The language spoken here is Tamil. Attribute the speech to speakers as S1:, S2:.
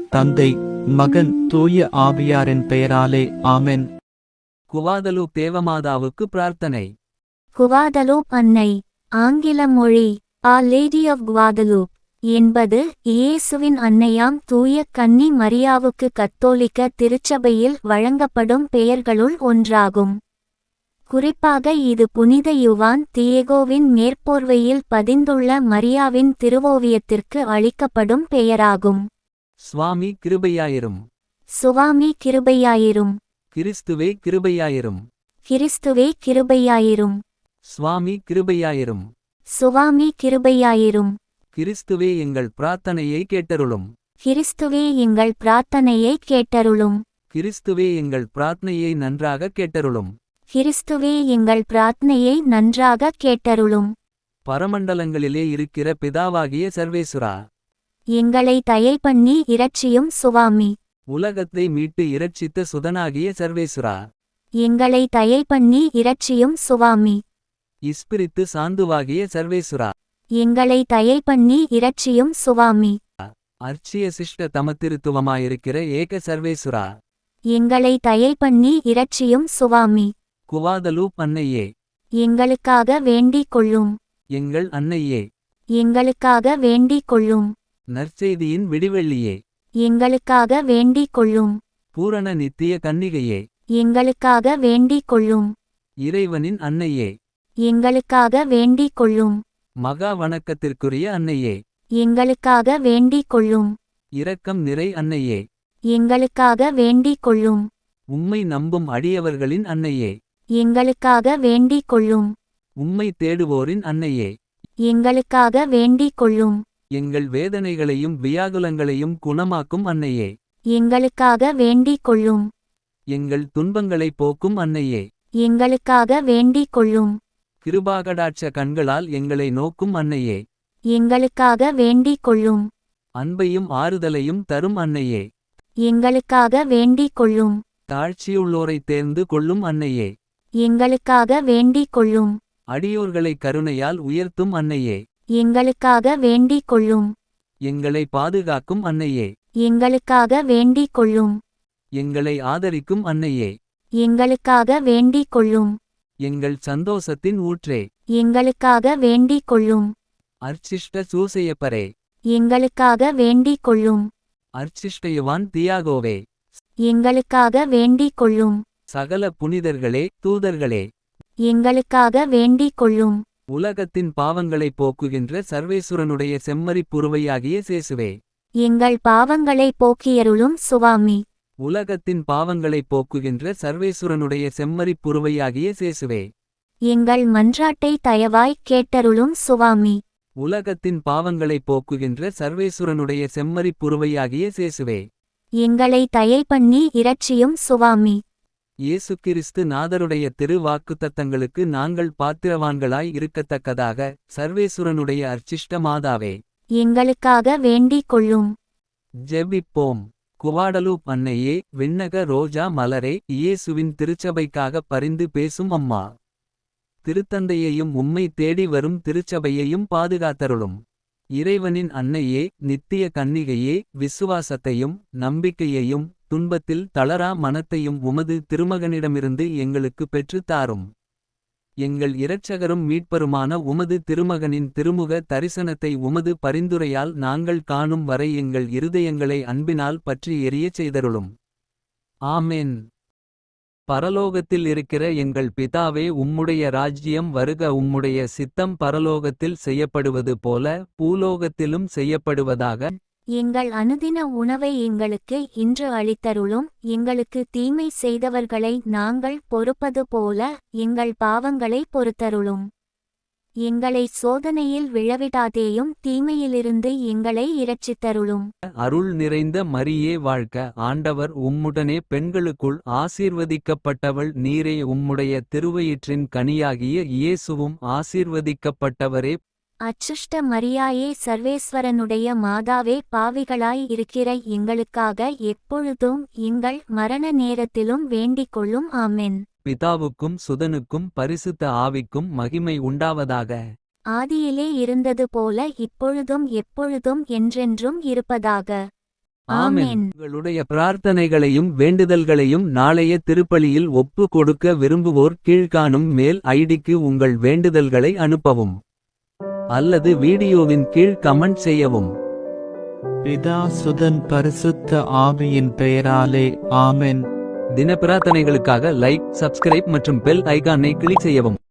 S1: தந்தை, மகன், தூய ஆவியாரின் பெயராலே ஆமென்.
S2: குவாதலூப் தேவமாதாவுக்கு பிரார்த்தனை.
S3: குவாதலூப் அன்னை. ஆங்கில மொழி ஆ லேடி ஆஃப் குவாதலூப் என்பது இயேசுவின் அன்னையாம் தூய கன்னி மரியாவுக்கு கத்தோலிக்க திருச்சபையில் வழங்கப்படும் பெயர்களுள் ஒன்றாகும். குறிப்பாக இது புனித யுவான் தியேகோவின் மேற்போர்வையில் பதிந்துள்ள மரியாவின் திருவோவியத்திற்கு அளிக்கப்படும் பெயராகும்.
S2: சுவாமி கிருபையாயிரும்.
S3: சுவாமி கிருபையாயிரும்.
S2: கிறிஸ்துவே கிருபையாயிரும்.
S3: கிறிஸ்துவே கிருபையாயிரும்.
S2: சுவாமி கிருபையாயிரும்.
S3: சுவாமி கிருபையாயிரும்.
S2: கிறிஸ்துவே எங்கள் பிரார்த்தனையை கேட்டருளும்.
S3: கிறிஸ்துவே எங்கள் பிரார்த்தனையை கேட்டருளும்.
S2: கிறிஸ்துவே எங்கள் பிரார்த்தனையை நன்றாக கேட்டருளும்.
S3: கிறிஸ்துவே எங்கள் பிரார்த்தனையை நன்றாக கேட்டருளும்.
S2: பரமண்டலங்களிலே இருக்கிற பிதாவாகிய சர்வேசுரா,
S3: எங்களை தயை பண்ணி இரட்சியும் சுவாமி.
S2: உலகத்தை மீட்டு இரட்சித்த சுதனாகிய சர்வேசுரா,
S3: எங்களை தயை பண்ணி இரட்சியும் சுவாமி.
S2: இஸ்பிரித்து சாந்துவாகிய சர்வேசுரா,
S3: எங்களை தயை பண்ணி இரட்சியும் சுவாமி.
S2: அர்ச்சிய சிஷ்ட தமத்திருத்துவமாயிருக்கிற ஏக சர்வேசுரா,
S3: எங்களை தயை பண்ணி இரட்சியும் சுவாமி.
S2: குவாதலூப் அன்னையே,
S3: எங்களுக்காக வேண்டிக் கொள்ளும்.
S2: எங்கள் அன்னையே,
S3: எங்களுக்காக வேண்டிக் கொள்ளும்.
S2: நற்செய்தியின் விடிவெள்ளியே,
S3: எங்களுக்காக வேண்டிக் கொள்ளும்.
S2: பூரண நித்திய கன்னிகையே,
S3: எங்களுக்காக வேண்டிக் கொள்ளும்.
S2: இறைவனின் அன்னையே,
S3: எங்களுக்காக வேண்டிக் கொள்ளும்.
S2: மகா வணக்கத்திற்குரிய அன்னையே,
S3: எங்களுக்காக வேண்டிக் கொள்ளும்.
S2: இரக்கம் நிறை அன்னையே,
S3: எங்களுக்காக வேண்டிக் கொள்ளும்.
S2: உம்மை நம்பும் அடியவர்களின் அன்னையே,
S3: எங்களுக்காக வேண்டிக் கொள்ளும்.
S2: உம்மை தேடுவோரின் அன்னையே,
S3: எங்களுக்காக வேண்டிக் கொள்ளும்.
S2: எங்கள் வேதனைகளையும் வியாகுலங்களையும் குணமாக்கும் அன்னையே,
S3: எங்களுக்காக வேண்டிக் கொள்ளும்.
S2: எங்கள் துன்பங்களை போக்கும் அன்னையே,
S3: எங்களுக்காக வேண்டிக் கொள்ளும்.
S2: கிருபாகடாட்ச கண்களால் எங்களை நோக்கும் அன்னையே,
S3: எங்களுக்காக வேண்டிக் கொள்ளும்.
S2: அன்பையும் ஆறுதலையும் தரும் அன்னையே,
S3: எங்களுக்காக வேண்டிக் கொள்ளும்.
S2: தாழ்ச்சியுள்ளோரைத் தேர்ந்து கொள்ளும் அன்னையே,
S3: எங்களுக்காக வேண்டிக் கொள்ளும்.
S2: அடியோர்களை கருணையால் உயர்த்தும் அன்னையே,
S3: எங்களுக்காக வேண்டிக் கொள்ளும்.
S2: எங்களை பாதுகாக்கும் அன்னையே,
S3: எங்களுக்காக வேண்டிக் கொள்ளும்.
S2: எங்களை ஆதரிக்கும் அன்னையே,
S3: எங்களுக்காக வேண்டிக் கொள்ளும்.
S2: எங்கள் சந்தோஷத்தின் ஊற்றே,
S3: எங்களுக்காக வேண்டிக் கொள்ளும்.
S2: அர்ச்சிஷ்ட சூசையப்பரே,
S3: எங்களுக்காக வேண்டிக் கொள்ளும்.
S2: அர்ச்சிஷ்டயுவான் தியாகோவே,
S3: எங்களுக்காக வேண்டிக் கொள்ளும்.
S2: சகல புனிதர்களே தூதர்களே,
S3: எங்களுக்காக வேண்டிக் கொள்ளும்.
S2: உலகத்தின் பாவங்களைப் போக்குகின்ற சர்வேசுரனுடைய செம்மறிப் புருவையாகிய சேசுவே,
S3: எங்கள் பாவங்களை போக்கியருளும் சுவாமி.
S2: உலகத்தின் பாவங்களைப் போக்குகின்ற சர்வேசுரனுடைய செம்மறிப் புருவையாகிய சேசுவே,
S3: எங்கள் மன்றாட்டை தயவாய் கேட்டருளும் சுவாமி.
S2: உலகத்தின் பாவங்களைப் போக்குகின்ற சர்வேசுரனுடைய செம்மறிப் புருவையாகிய சேசுவே,
S3: எங்களை தயை பண்ணி இரட்சியும் சுவாமி.
S2: இயேசு கிறிஸ்து நாதருடைய திரு வாக்குத்தத்தங்களுக்கு நாங்கள் பாத்திரவான்களாய் இருக்கத்தக்கதாக சர்வேசுரனுடைய அர்ச்சிஷ்ட மாதாவே,
S3: எங்களுக்காக வேண்டிக் கொள்ளும்.
S2: ஜெபிப்போம். குவாடலூப் அன்னையே, விண்ணக ரோஜா மலரே, இயேசுவின் திருச்சபைக்காக பரிந்து பேசும் அம்மா, திருத்தந்தையையும் உம்மை தேடி வரும் திருச்சபையையும் பாதுகாத்தருளும். இறைவனின் அன்னையே, நித்திய கன்னிகையே, விசுவாசத்தையும் நம்பிக்கையையும் துன்பத்தில் தளரா மனத்தையும் உமது திருமகனிடமிருந்து எங்களுக்கு பெற்றுத் தாரும். எங்கள் இரட்சகரும் மீட்பருமான உமது திருமகனின் திருமுக தரிசனத்தை உமது பரிந்துரையால் நாங்கள் காணும் வரை எங்கள் இருதயங்களை அன்பினால் பற்றி எரியச் செய்தருளும். ஆமென். பரலோகத்தில் இருக்கிற எங்கள் பிதாவே, உம்முடைய ராஜ்யம் வருக. உம்முடைய சித்தம் பரலோகத்தில் செய்யப்படுவது போல பூலோகத்திலும் செய்யப்படுவதாக.
S3: எங்கள் அனுதின உணவை எங்களுக்கு இன்று அளித்தருளும். எங்களுக்கு தீமை செய்தவர்களை நாங்கள் பொறுப்பது போல எங்கள் பாவங்களை பொறுத்தருளும். எங்களை சோதனையில் விழவிடாதேயும் தீமையிலிருந்து எங்களை இரட்சித்தருளும்.
S2: அருள் நிறைந்த மரியே வாழ்க. ஆண்டவர் உம்முடனே பெண்களுக்குள் ஆசீர்வதிக்கப்பட்டவள் நீரே. உம்முடைய திருவயிற்றின் கனியாகிய இயேசுவும் ஆசீர்வதிக்கப்பட்டவரே.
S3: அச்சுஷ்ட மரியாயே, சர்வேஸ்வரனுடைய மாதாவே, பாவிகளாய் இருக்கிற எங்களுக்காக எப்பொழுதும் எங்கள் மரண நேரத்திலும் வேண்டிக் கொள்ளும். ஆமென்.
S2: பிதாவுக்கும் சுதனுக்கும் பரிசுத்த ஆவிக்கும் மகிமை உண்டாவதாக.
S3: ஆதியிலே இருந்தது போல இப்பொழுதும் எப்பொழுதும் என்றென்றும் இருப்பதாக. ஆமென்.
S2: உங்களுடைய பிரார்த்தனைகளையும் வேண்டுதல்களையும் நாளைய திருப்பலியில் ஒப்பு கொடுக்க விரும்புவோர் கீழ்காணும் மெயில் ஐடிக்கு உங்கள் வேண்டுதல்களை அனுப்பவும் அல்லது வீடியோவின் கீழ் கமெண்ட் செய்யவும்.
S1: பிதா சுதன் பரிசுத்த ஆவியின் பெயராலே ஆமென்.
S2: தின பிரார்த்தனைகளுக்காக லைக், சப்ஸ்கிரைப் மற்றும் பெல் ஐகானை கிளிக் செய்யவும்.